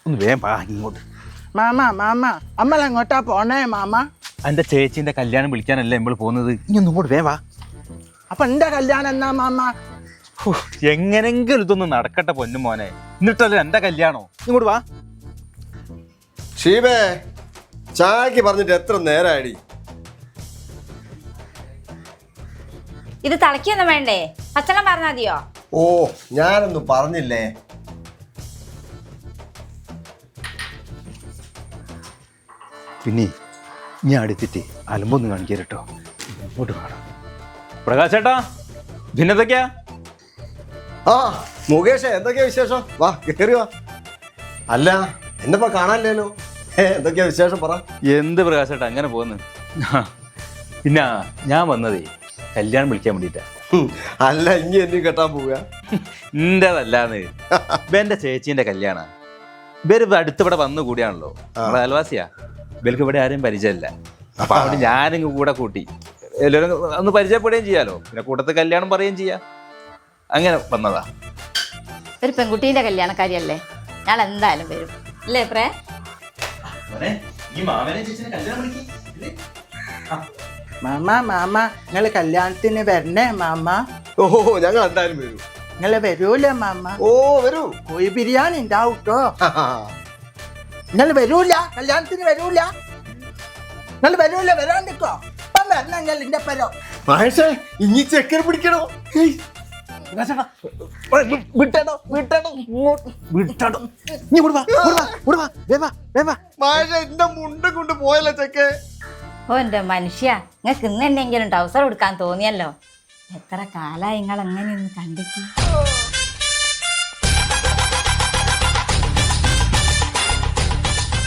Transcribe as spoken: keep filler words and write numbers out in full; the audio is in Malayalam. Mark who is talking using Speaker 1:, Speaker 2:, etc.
Speaker 1: ഒന്ന് വേഗം പാ ഇങ്ങോട്ട്.
Speaker 2: മാമ മാമ അമ്മ എങ്ങോട്ടാ പോണേ മാമ?
Speaker 1: എൻ്റെ ചേച്ചീൻ്റെ കല്യാണം വിളിക്കാനല്ലേ നമ്മൾ പോകുന്നത്. ഇനി ഒന്നും കൂടെ വേവാ.
Speaker 2: അപ്പൊ എന്റെ കല്യാണം എന്നാ മാമ?
Speaker 1: എങ്ങനെങ്കിലും ഇതൊന്ന് നടക്കട്ടെ പൊന്നു മോനെ. എന്നിട്ടല്ലേ എൻ്റെ കല്യാണോ? ഇങ്ങോട്ട് വാ.
Speaker 3: ഷീബേ, ചായക്ക് പറഞ്ഞിട്ട് എത്ര നേരമായിടി?
Speaker 4: ഇത് തിളക്കിയൊന്നും വേണ്ടേ? പച്ചളം പറഞ്ഞാൽ മതിയോ?
Speaker 3: ഓ, ഞാനൊന്നും പറഞ്ഞില്ലേ.
Speaker 1: പിന്നെ ഞാൻ അടുത്തിട്ട് അലമ്പൊന്നും കാണിക്കട്ടോ. ഇങ്ങോട്ട് കാണാം. പ്രകാശേട്ടാ, ഭിന്നതൊക്കെയാ?
Speaker 3: ആ മുകേഷ്, എന്തൊക്കെയാ വിശേഷം? വാ കേറി വാ. അല്ല എന്നെപ്പോ കാണാനില്ലല്ലോ. എന്തൊക്കെയാ വിശേഷം പറ.
Speaker 1: എന്ത് പ്രകാശേട്ടാ അങ്ങനെ പോകുന്നു? പിന്നെ ഞാൻ വന്നതേ കല്യാണം വിളിക്കാൻ വേണ്ടിയിട്ടാ.
Speaker 3: അല്ല ഇനി എന്നെ കെട്ടാൻ പോവുക?
Speaker 1: എന്റേതല്ലാന്ന്. എന്റെ ചേച്ചീന്റെ കല്യാണ. ഇവര് അടുത്തിവിടെ വന്നു കൂടിയാണല്ലോ. നമ്മളെ അയൽവാസിയാ. ഇവർക്ക് ഇവിടെ ആരെയും പരിചയമില്ല. അപ്പൊ അവിടെ ഞാനിങ്ങ് കൂടെ കൂട്ടി എല്ലാവരും ഒന്ന് പരിചയപ്പെടുകയും ചെയ്യാലോ. പിന്നെ കൂട്ടത്തിൽ കല്യാണം പറയുകയും ചെയ്യാം. അങ്ങനെ വന്നതാ.
Speaker 4: ഒരു പെൺകുട്ടീന്റെ കല്യാണക്കാരിയല്ലേ, ഞാൻ എന്തായാലും വരും അല്ലേ പ്രേ?
Speaker 2: മാമ മാമ നിങ്ങള് കല്യാണത്തിന് വരണേ മാമ?
Speaker 3: ഓ ഞങ്ങൾ എന്തായാലും വരൂ.
Speaker 2: നിങ്ങള് വരൂലേ മാമ?
Speaker 3: ഓ വരൂ.
Speaker 2: കോഴി ബിരിയാണി ഉണ്ടാവും കേട്ടോ. നിങ്ങൾ വരൂല കല്യാണത്തിന്? വരൂല നിങ്ങൾ? വരൂല? വരാണ്ടിക്കോ. ഇപ്പം വരണം നിങ്ങൾ എന്റെ പരോ.
Speaker 3: മഹേഷേ, ഇനി ചെക്കനെ പിടിക്കണോ?
Speaker 2: വിട്ടടോ വിട്ടടോ വിട്ടടോ.
Speaker 3: മഹേഷേ, എന്റെ മുണ്ടും കൊണ്ട് പോയല്ലോ ചെക്കേ.
Speaker 4: ഓ എൻ്റെ മനുഷ്യ, നിങ്ങൾക്ക് ഇന്ന് എന്നെങ്കിലും ടൗസർ കൊടുക്കാൻ തോന്നിയല്ലോ. എത്ര കാലമായി നിങ്ങൾ അങ്ങനെ ഒന്ന് കണ്ടിട്ട്.